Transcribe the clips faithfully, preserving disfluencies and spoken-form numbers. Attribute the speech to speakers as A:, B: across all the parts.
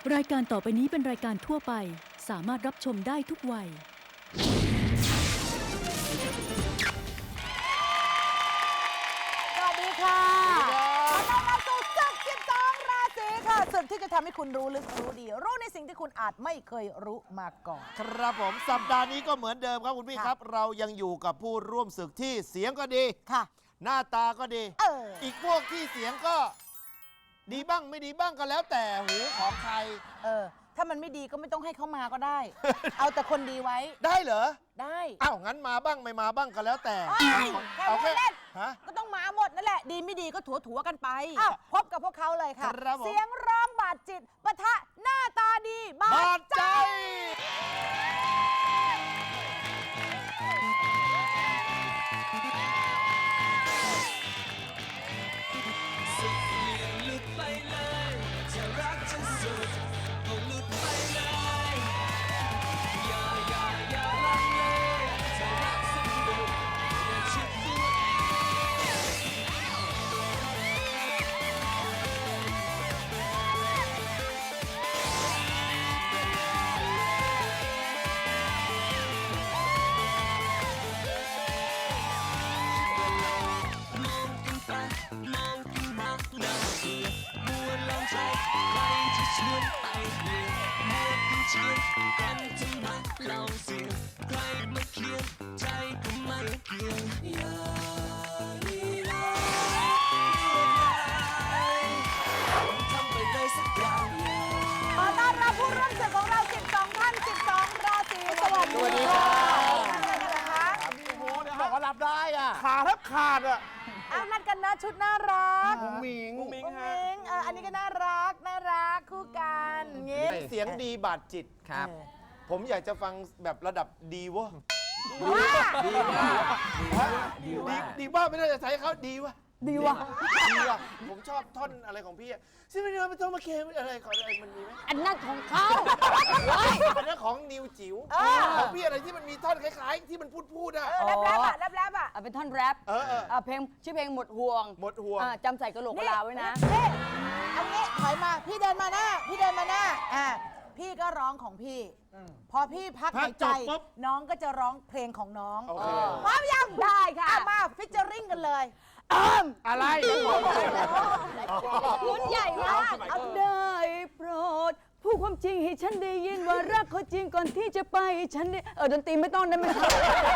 A: รายการต่อไปนี้เป็นรายการทั่วไปสามารถรับชมได้ทุกวัย
B: สวัสดีค่ะขอต้อนรับสู่ศึกสิบสองราศีค่ะศึกที่จะทำให้คุณรู้ลึกรู้ดีรู้ในสิ่งที่คุณอาจไม่เคยรู้มาก่อน
C: ครับผมสัปดาห์นี้ก็เหมือนเดิมครับคุณพี่ครับเรายังอยู่กับผู้ร่วมศึกที่เสียงก็ดี
B: ค่ะ
C: หน้าตาก็ดี
B: เออ
C: อีกพวกที่เสียงก็ดีบ้างไม่ดีบ้างก็แล้วแต่หูของใคร
B: เออถ้ามันไม่ดีก็ไม่ต้องให้เขามาก็ได้ เอาแต่คนดีไว้
C: ได้เหรอ
B: ได้
C: อ้าวงั้นมาบ้างไม่มาบ้างก็แล้วแต่
B: แค่พูดเล่น
C: ฮะ
B: ก็ต้องมาหมดนั่นแหละดีไม่ดีก็ถัวถัวกันไปอ้าวพบกับพวกเขาเลยค่ะเสียงร้องบาดจิตปะทะหน้าตาดีบาดใจ
C: สวัสดีครับบอกว่ารับได้อ่ะขาแทบขาดอ่ะ
B: เอานัดกันนะชุดน่ารัก
C: มุ้งมิง
B: มุ้งมิงฮะเอออันนี้ก็น่ารักน่ารักคู่กันงี้
C: เสียงดีบาดจิต
D: ครับ
C: ผมอยากจะฟังแบบระดับดีวะ
B: ดีว่า
C: ดีว่าดีว่าไม่น่าจะใช้เขาดีวะ
B: ดีว่ะ
C: ดีว่ะผมชอบท่อนอะไรของพี่อ่ะซึ่งไม่ได้ไม่ต้องมาเคลมอะไรขออะไรมันมีไหม
B: อันนั้นของเขา
C: อันนั้นของนิวจิ๋วของพี่อะไรที่มันมีท่อนคล้ายๆที่มันพูดพูดอ่ะ
B: แรปแรปอ่ะแรปแรปอ่ะ
E: เป็นท่อนแรป
C: เออเอ
E: อเพลงชื่อเพลงหมดห่วง
C: หมดห่วง
E: จำใส่กระโหลกกะลาไว้นะ
B: นี่อันนี้ถอยมาพี่เดินมาหน้าพี่เดินมาหน้าอ่าพี่ก็ร้องของพี่พอพี่พักหายใจน้องก็จะร้องเพลงของน้องพร้อมยัง
E: ได้ค่ะ
B: มาฟิชเจอริ่งกันเลย
C: อะไร
E: รุ่นใหญ่มากเอาได้โปรดพูดความจริงให้ฉันได้ยินว่ารักเขาจริงก่อนที่จะไปฉันได้เออดนตรีไม่ต้องได้ไหมครับ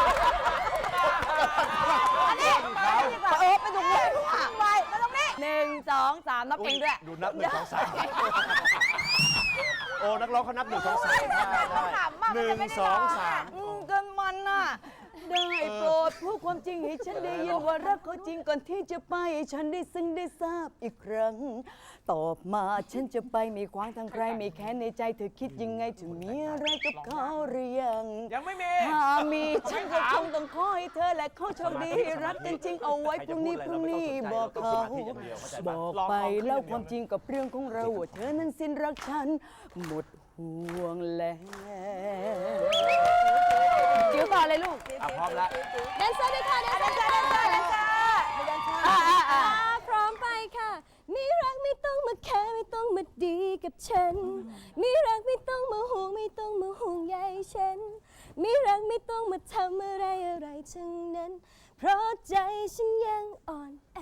B: อันนี้
E: เออไปตรงนี้
B: ไปมาตรงนี้
E: หนึ่งสองสามนับเองด้วย
C: ดูนับหนึ่งสองสามโอ้นักร้องเขานับหนึ่งสองสามหนึ่งสองสาม
E: เกินมันน่ะได้โปรดพูดความจริงให้ฉันได้ยินว่ารักเขาจริงก่อนที่จะไปฉันได้ซึ้งได้ทราบอีกครั้งตอบมาฉันจะไปมีขวางทางใครไม่แค้นในใจเธอคิดยังไงถึงมีอะไรกับเขาหรือยัง
D: ยังไม่มี
E: ถ้ามีฉันก็คงต้องขอให้เธอและเขาโชคดีรักกันจริงเอาไว้พรุ่งนี้พรุ่งนี้บอกเขาบอกไปแล้วความจริงกับเรื่องของเราว่าเธอนั้นสิ้นรักฉันหมดห่วงแล้วจิ๋วต่อเลยลูก
D: พร้อมแล้ว
E: แดนเซอร์ด้วยค่ะแดนเซอร์แดนเซอร์แดนเซอร์
F: พร้อมไปค่ะมีรักไม่ต้องมาแค่ไม่ต้องมาดีกับฉันมีรักไม่ต้องมาห่วงไม่ต้องมาห่วงใยฉันมีรักไม่ต้องมาทำอะไรอะไรทั้งนั้นเพราะใจฉันยังอ่อนแอ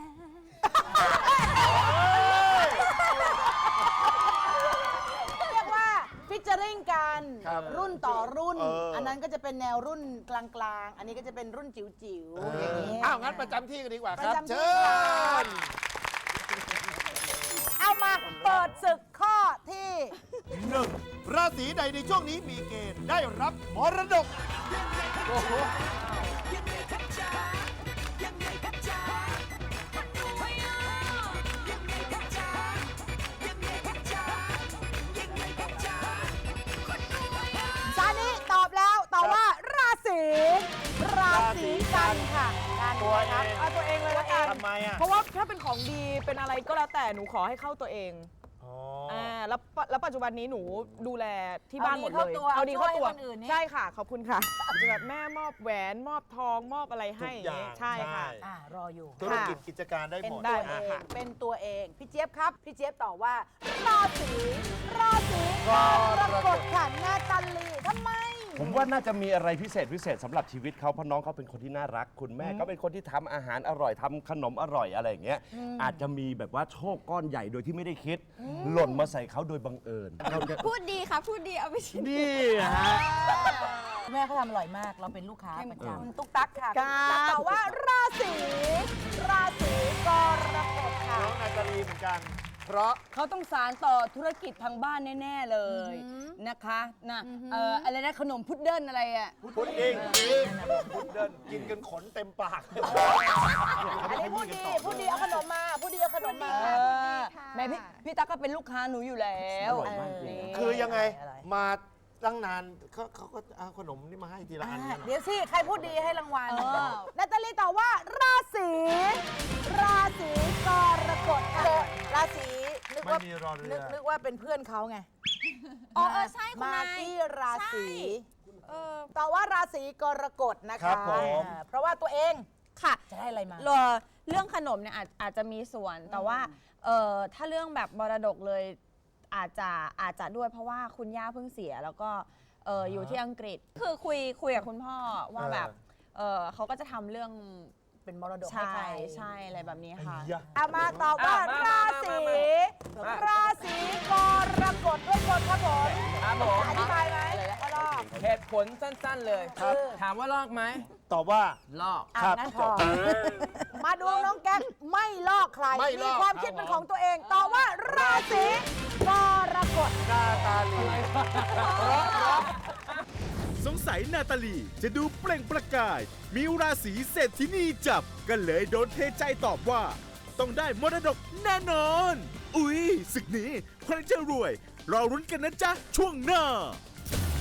B: เรียกว่าฟิชเจอริ่งกันรุ่นต่อรุ่นอันนั้นก็จะเป็นแนวรุ่นกลางๆอันนี้ก็จะเป็นรุ่นจิ๋วๆอย่างนี้
C: อ้าวงั้นประจำที่กันดีกว่าครับเชิญ
B: เอามาเปิดศึกข้อที่
C: หนึ่งราศีใดในช่วงนี้มีเกณฑ์ได้รับมรดก
B: ซานิตอบแล้วตอบว่าราศีราศีกันค่ะกัน
D: ตัวเอง
B: เอาตัวเองเลยละกัน
D: ทำไมอ่ะ
E: เพราะว่าถ้าเป็นของดีเป็นอะไรก็แล้วแต่หนูขอให้เข้าตัวเองอ่าแล้วปะแล้วปัจจุบันนี้หนูดูแลที่บ้านหมดเลย
B: เอาดีเข้าตัว
E: เอาดีเข้าตัว
B: ช่วยให้คนอื่นนี่
E: ใช่ค่ะขอบคุณค่ะจะแบบแม่มอบแหวนมอบทองมอบอะไรให้อย่างงี้ใช่ค่ะ
B: อ่ารออยู่
C: ธุรกิจกิจการได้
B: เป็น
C: หมด
B: ตัว
E: ได้
B: เอง
E: ค่ะ
B: เป็นตัวเอง พี่เจี๊ยบครับ พี่เจี๊ยบตอบว่า ราศีราศีกรกฎค่ะนาตาลีทำไม
C: ผมว่าน่าจะมีอะไรพิเศษพิเศษสำหรับชีวิตเขาเพราะน้องเขาเป็นคนที่น่ารัก คุณแม่ก็เป็นคนที่ทำอาหารอร่อยทำขนมอร่อยอะไรอย่างเงี้ยอาจจะมีแบบว่าโชคก้อนใหญ่โดยที่ไม่ได้คิด หล่นมาใส่เขาโดยบังเอิญเราจะ
F: พูดดีค่ะ พูดดีเอาไปชิม
C: นี่ฮะ
B: แม่เขาทำอร่อยมาก เราเป็นลูกค้าประ
C: เออ
B: จำตุ๊กตักค่ะ
E: ครับ
B: ตุ๊กตักตอบว่าราศีราศีกรกฎค่ะ
C: น้องนาตาลีเหมือนกัน
E: เพราะเขาต้องสารต่อธุรกิจทางบ้านแน่ ๆ เลยนะคะนะเอ่ออะไรนะขนมพุดเดิ้ลอะไรอ่ะ
C: พุดดิ้งพุดเดิ้ลกินกันขนเต็มปาก
B: อันนี้พูดดี พูดดีเอาขนมมา พูดดีเอาขนมมา
E: เออแม่พี่พี่ตั๊กก็เป็นลูกค้าหนูอยู่แล้ว
C: อร่อยมากจริง
E: นี่
D: คือยังไง
B: อะไร
D: มาตั้งนานเขาเขาก็เอาขนมนี่มาให้ทีละอัน
B: อ่า
D: กันเหรอ
B: เดี๋ยวสิ ใครพูดดีให้รางวัล
E: เออ
B: นาตาลีตอบว่า ราศีราศีกรกฎค่ะราศีนึก
D: ไม่
B: ว่า
D: มีรอเรื
B: นึ
D: อก
B: นึกว่าเป็นเพื่อนเขาไง
F: อ๋อเออใช่คุณ
B: มาน
F: าย
B: กี้ราศี
F: เออ
B: ตอบว่าราศีกรกฎนะ
D: ครั
B: คะ
D: บผม
B: อ่าเพราะว่าตัวเอง
F: ค่ะ
B: จะได้อะไรมา
F: เอ่อเรื่องขนมเนี่ยอาจอาจจะมีส่วน แต่ว่าเอ่อถ้าเรื่องแบบมรดกเลยอาจจะอาจจะด้วยเพราะว่าคุณย่าเพิ่งเสีย แล้วก็เอ่ออยู่ที่อังกฤษ คือคุยคุยกับคุณพ่อว่าแบบเออเขาก็จะทำเรื่อง
B: เป็นมรดกให้
F: ใช่
B: ใคร
F: ใช่อะไรแบบนี้ค่ะ
D: ยะ
B: เอามาตอบว่า
E: อ่ะมา
B: รา
E: มา
B: ศี
E: มามา
B: ราศีกรกฎด้วยกฎครับผม
E: ครับผม
B: อธิบายไหมว่าลอก
E: เหตุผลสั้นๆเลย
B: ครับ
E: ถามว่าลอกไหม
D: ตอบว่า
E: ลอก
B: อ่ะ
D: ครับ
B: งั้นพอมาดูน้องแก๊กไม่ลอกใคร
D: ไม่ล
B: มี
D: อก
B: ความคิดเป็นของตัวเองตอบว่าราศีกรกฎ
D: นาตาลี
G: สงสัยนาตาลีจะดูเปล่งประกาย มีราศีเศรษฐินีจับ ก็เลยโดนเทใจตอบว่า ต้องได้มรดกแน่นอน อุ๊ยศึกนี้ใครจะรวย รอรุ้นกันนะจ๊ะ ช่วงหน้า